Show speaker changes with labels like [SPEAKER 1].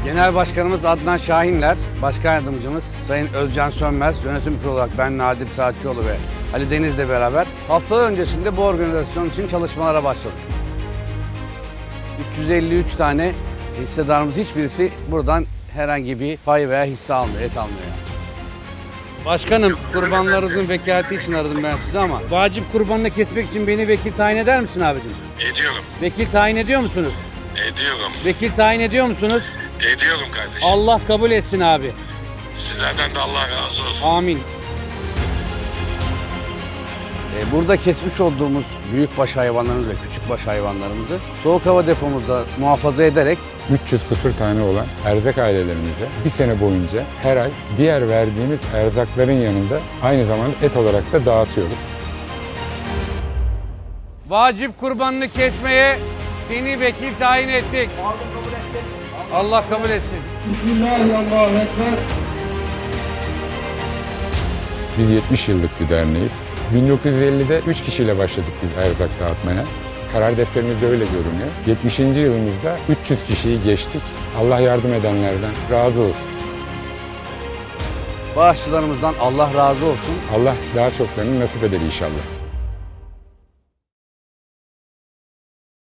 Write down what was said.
[SPEAKER 1] Genel Başkanımız Adnan Şahinler, Başkan Yardımcımız Sayın Özcan Sönmez, yönetim kurulu olarak ben Nadir Saatçıoğlu ve Ali Deniz'le beraber haftalar öncesinde bu organizasyon için çalışmalara başladık. 353 tane hissedarımız hiçbirisi buradan herhangi bir pay veya hisse almıyor, et almıyor. Başkanım, kurbanlarınızın vekaleti için aradım ben size ama vacip kurbanını kesmek için beni vekil tayin eder misin abicim?
[SPEAKER 2] Ediyorum.
[SPEAKER 1] Vekil tayin ediyor musunuz?
[SPEAKER 2] Ediyorum.
[SPEAKER 1] Vekil tayin ediyor musunuz?
[SPEAKER 2] Ediyorum kardeşim.
[SPEAKER 1] Allah kabul etsin abi.
[SPEAKER 2] Sizlerden de Allah razı olsun.
[SPEAKER 1] Amin. Burada kesmiş olduğumuz büyükbaş hayvanlarımızı ve küçükbaş hayvanlarımızı soğuk hava depomuzda muhafaza ederek
[SPEAKER 3] 300 küsur tane olan erzak ailelerimize bir sene boyunca her ay diğer verdiğimiz erzakların yanında aynı zamanda et olarak da dağıtıyoruz.
[SPEAKER 1] vacip kurbanını kesmeye seni vekil tayin ettik. Allah kabul etsin.
[SPEAKER 4] Bismillahirrahmanirrahim.
[SPEAKER 3] Biz 70 yıllık bir derneğiz. 1950'de 3 kişiyle başladık biz erzak dağıtmaya. Karar defterimizde öyle görünüyor. 70. yılımızda 300 kişiyi geçtik. Allah yardım edenlerden razı olsun.
[SPEAKER 1] Bağışçılarımızdan Allah razı olsun.
[SPEAKER 3] Allah daha çoklarını nasip eder inşallah.